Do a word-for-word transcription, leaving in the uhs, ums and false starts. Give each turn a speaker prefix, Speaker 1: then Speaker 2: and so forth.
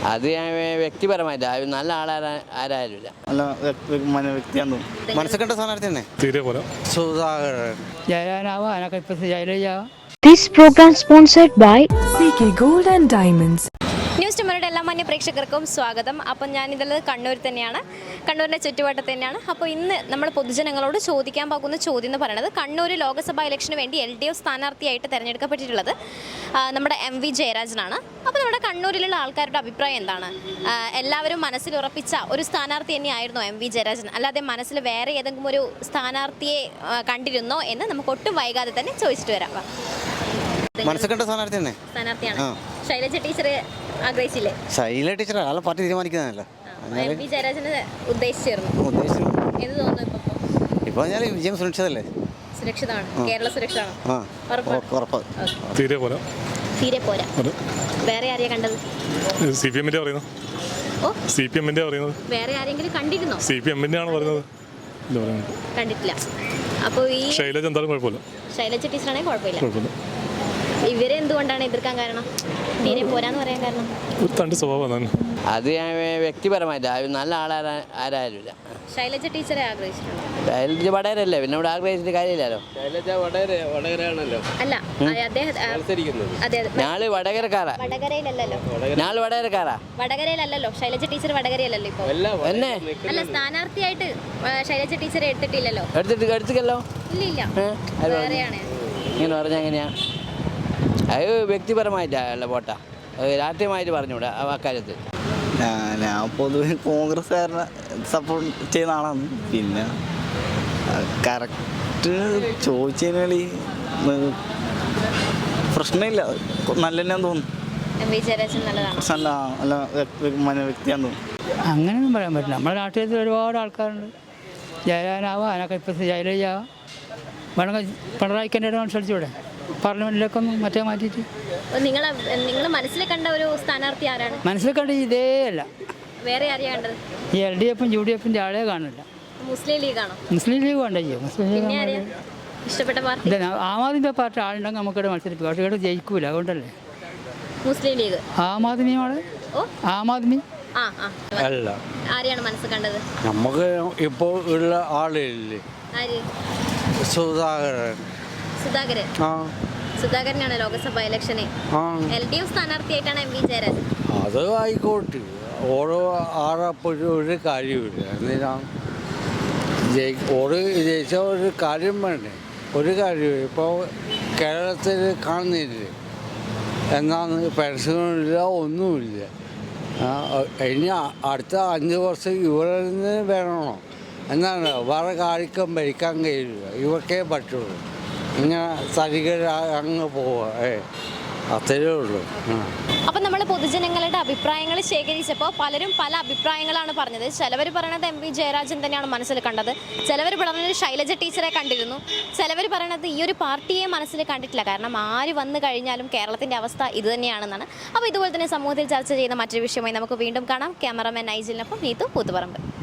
Speaker 1: അത് ഞാൻ വ്യക്തിപരമായിട്ട് നല്ല ആളാരാ ആരായാലും ഇല്ല.
Speaker 2: നല്ല വ്യക്തിയാണെന്ന് മനസ്സിൽ കണ്ട സ്ഥാനാർത്ഥി തന്നെ തീരെ പോലെ സുധാകരൻ ജയരാനാവാനൊക്കെ ഇപ്പൊ ജയലജാവാം.
Speaker 3: This program sponsored by
Speaker 4: C K Gold and Diamonds.
Speaker 5: News ടുമോയുടെ എല്ലാ മാന്യ പ്രേക്ഷകർക്കും സ്വാഗതം. അപ്പം ഞാനിതുള്ളത് കണ്ണൂർ തന്നെയാണ്, കണ്ണൂരിൻ്റെ ചുറ്റുവട്ടത്ത് തന്നെയാണ്. അപ്പോൾ ഇന്ന് നമ്മൾ പൊതുജനങ്ങളോട് ചോദിക്കാൻ പോകുന്ന ചോദ്യം എന്ന് പറയുന്നത്, കണ്ണൂർ ലോക്സഭാ ഇലക്ഷന് വേണ്ടി എൽ ഡി എഫ് സ്ഥാനാർത്ഥിയായിട്ട് തിരഞ്ഞെടുക്കപ്പെട്ടിട്ടുള്ളത് നമ്മുടെ എം വി ജയരാജനാണ്. അപ്പോൾ നമ്മുടെ കണ്ണൂരിലുള്ള ആൾക്കാരുടെ അഭിപ്രായം എന്താണ്? എല്ലാവരും മനസ്സിൽ ഉറപ്പിച്ച ഒരു സ്ഥാനാർത്ഥി തന്നെയായിരുന്നോ എം വി ജയരാജൻ, അല്ലാതെ മനസ്സിൽ വേറെ ഏതെങ്കിലും ഒരു സ്ഥാനാർത്ഥിയെ കണ്ടിരുന്നോ എന്ന് നമുക്ക് ഒട്ടും വൈകാതെ തന്നെ ചോദിച്ചിട്ട് വരാം.
Speaker 2: മനസ്സിൽ കണ്ട സ്ഥാനാർത്ഥി തന്നെ
Speaker 5: സ്ഥാനാർത്ഥിയാണ്. ശൈലജ ടീച്ചർ ആഗ്രഹിച്ചില്ലേ?
Speaker 2: ശൈല ടീച്ചർ ആളെ പാർട്ടി തീരുമാനിക്കുന്നതല്ല.
Speaker 5: എം വി ജയരാജന് ഉദ്ദേശിച്ചിരുന്നു. എന്ത് തോന്നുന്നു ഇപ്പൊ?
Speaker 2: ഇപ്പൊ ഞാൻ വിജയം സുരക്ഷിതല്ലേ?
Speaker 5: സുരക്ഷിതമാണ്. കേരള സുരക്ഷിതമാണ്.
Speaker 6: തീരെ പോരാ.
Speaker 5: തീരെ പോരാ. വേറെ ആരെയാ കണ്ടത്?
Speaker 6: സി പി എമ്മിന്റെ പറയുന്നത്.
Speaker 5: ഓ,
Speaker 6: സി പി എമ്മിന്റെ പറയുന്നത്.
Speaker 5: വേറെ ആരെങ്കിലും കണ്ടിരുന്നോ?
Speaker 6: സി പി എമ്മിന്റെ ആണ് പറയുന്നത്.
Speaker 5: കണ്ടിട്ടില്ല. അപ്പോൾ ഈ
Speaker 6: ശൈലജ എന്തായാലും കുഴപ്പമില്ല.
Speaker 5: ശൈലജ ടീച്ചറാണെങ്കിൽ കുഴപ്പമില്ല. ഇവരെ എന്തുകൊണ്ടാണ് എതിർക്കാൻ കാരണം? തീരെ പോരാന്ന് പറയാൻ കാരണം
Speaker 6: തന്റെ സ്വഭാവം.
Speaker 1: അത് ഞാൻ വ്യക്തിപരമായിട്ട് നല്ല ആളാരാ ആരായാലും ഇല്ല.
Speaker 5: ശൈലജ ടീച്ചറെ ആഗ്രഹിച്ചിട്ടുണ്ട്.
Speaker 1: ശൈലജ വടകരല്ലേ, പിന്നെ ഇവിടെ ആഗ്രഹിച്ചിട്ട് കാര്യമില്ലല്ലോ.
Speaker 5: അല്ല,
Speaker 1: ഞാള് വടകരക്കാരാ.
Speaker 5: വടകരയിലല്ലോ.
Speaker 1: ഞാള് വടകരക്കാരാ.
Speaker 5: വടകരയിലല്ലോ. ശൈലജ ടീച്ചർ വടകരയിലല്ലോ ഇപ്പൊ.
Speaker 1: എന്നെ
Speaker 5: അല്ല, സ്ഥാനാർത്ഥിയായിട്ട് ശൈലജ ടീച്ചറെ എടുത്തിട്ടില്ലല്ലോ.
Speaker 1: എടുത്തിട്ട് എടുത്തില്ലല്ലോ.
Speaker 5: ഇല്ല ഇല്ല, വേറെയാണ്.
Speaker 1: ഇങ്ങനെ പറഞ്ഞാൽ എങ്ങനെയാ? അത് വ്യക്തിപരമായിട്ടല്ല പോട്ടാ, രാഷ്ട്രീയമായിട്ട് പറഞ്ഞൂടെ ആ കാര്യത്തിൽ.
Speaker 2: ഞാൻ പൊതുവെ കോൺഗ്രസ്സുകാരനെ സപ്പോർട്ട് ചെയ്യുന്ന ആളാണ്. പിന്നെ കറക്റ്റ് ചോദിച്ചതിനാൽ പ്രശ്നമില്ല, നല്ല തന്നെയാന്ന് തോന്നുന്നു. നല്ല നല്ല വ്യക്തിയാന്ന് തോന്നുന്നു.
Speaker 7: അങ്ങനെയൊന്നും പറയാൻ പറ്റില്ല. നമ്മുടെ രാഷ്ട്രീയത്തിൽ ഒരുപാട് ആൾക്കാരുണ്ട്. ജയരാനാവാം, അതിനൊക്കെ ഇപ്പം ജയലജാവാം. വേണമെങ്കിൽ പിണറായിക്കെൻ്റെ മത്സരിച്ചൂടെ പാർലമെന്റിലൊക്കെ ഒന്ന് മറ്റേ മാറ്റിയിട്ട്?
Speaker 5: നിങ്ങൾ നിങ്ങൾ മനസ്സിൽ കണ്ട ഒരു സ്ഥാനാർത്ഥി ആരാണ്?
Speaker 7: മനസ്സിൽ കണ്ട ഇതേ അല്ല,
Speaker 5: വേറെ ആരെയാ കണ്ടത്?
Speaker 7: ഈ എൽ ഡി എഫും യു ഡി എഫിൻ്റെ ആളെ കാണില്ല.
Speaker 5: മുസ്ലിം ലീഗാണോ?
Speaker 7: മുസ്ലിം ലീഗ് വേണ്ട. ചെയ്യും മുസ്ലിം ലീഗ്
Speaker 5: ഇഷ്ടപ്പെട്ട പാർട്ടി
Speaker 7: ആം ആദ്മി പാർട്ടി ആളുണ്ടെങ്കിൽ നമുക്കിവിടെ മത്സരിപ്പിക്കും. പക്ഷേ ഇവിടെ ജയിക്കൂല, അതുകൊണ്ടല്ലേ.
Speaker 5: മുസ്ലിം ലീഗ്
Speaker 7: ആം ആദ്മിയാണ്. ആം ആദ്മി
Speaker 5: അല്ല. ആരെയാണ് മനസ്സിൽ കണ്ടത്?
Speaker 2: നമുക്ക് ഇപ്പോൾ ഉള്ള ആളില്ലേ,
Speaker 5: ആര്?
Speaker 2: സുധാകരൻ.
Speaker 5: സുധാകരൻ. സുധാകരനാണ് ലോക്സഭാ ഇലക്ഷന് എൽ ഡി എഫ് സ്ഥാനാർത്ഥിയായിട്ടാണ് എം വി ജയരാജൻ.
Speaker 2: അത് ആയിക്കോട്ടെ, ഓരോ ആറപ്പോഴും ഒരു കാര്യമില്ല. എന്തിനാണ് ഓരോ ജയിച്ച ഒരു കാര്യം വേണ്ടേ? ഒരു കാര്യം ഇപ്പോൾ കേരളത്തിൽ കാണുന്നില്ലേ, എന്നാണ് പെൻഷനില്ല, ഒന്നുമില്ല. ഇനി അടുത്ത അഞ്ച് വർഷം ഇവിടെ നിന്ന് വേണമോ? എന്നാണ് വേറെ കാര്യം ഭരിക്കാൻ കഴിയില്ല, ഇവക്കേ പറ്റുള്ളൂ. ഇങ്ങനെ സരികര അങ്ങ് പോവുക, ഏ അത്രയേ ഉള്ളൂ.
Speaker 5: അപ്പം നമ്മൾ പൊതുജനങ്ങളുടെ അഭിപ്രായങ്ങൾ ശേഖരിച്ചപ്പോൾ പലരും പല അഭിപ്രായങ്ങളാണ് പറഞ്ഞത്. ചിലവർ പറയണത് എം വി ജയരാജൻ തന്നെയാണ് മനസ്സിൽ കണ്ടത്, ചിലവർ പറഞ്ഞത് ശൈലജ ടീച്ചറെ കണ്ടിരുന്നു, ചിലവർ പറയണത് ഈ ഒരു പാർട്ടിയെ മനസ്സിൽ കണ്ടിട്ടില്ല. കാരണം ആര് വന്നു കഴിഞ്ഞാലും കേരളത്തിൻ്റെ അവസ്ഥ ഇത് തന്നെയാണെന്നാണ്. അപ്പോൾ ഇതുപോലെ തന്നെ സമൂഹത്തിൽ ചർച്ച ചെയ്യുന്ന മറ്റൊരു വിഷയമായി നമുക്ക് വീണ്ടും കാണാം. ക്യാമറാമാൻ നൈജിലിനൊപ്പം നീതു കൂത്തുപറമ്പ്.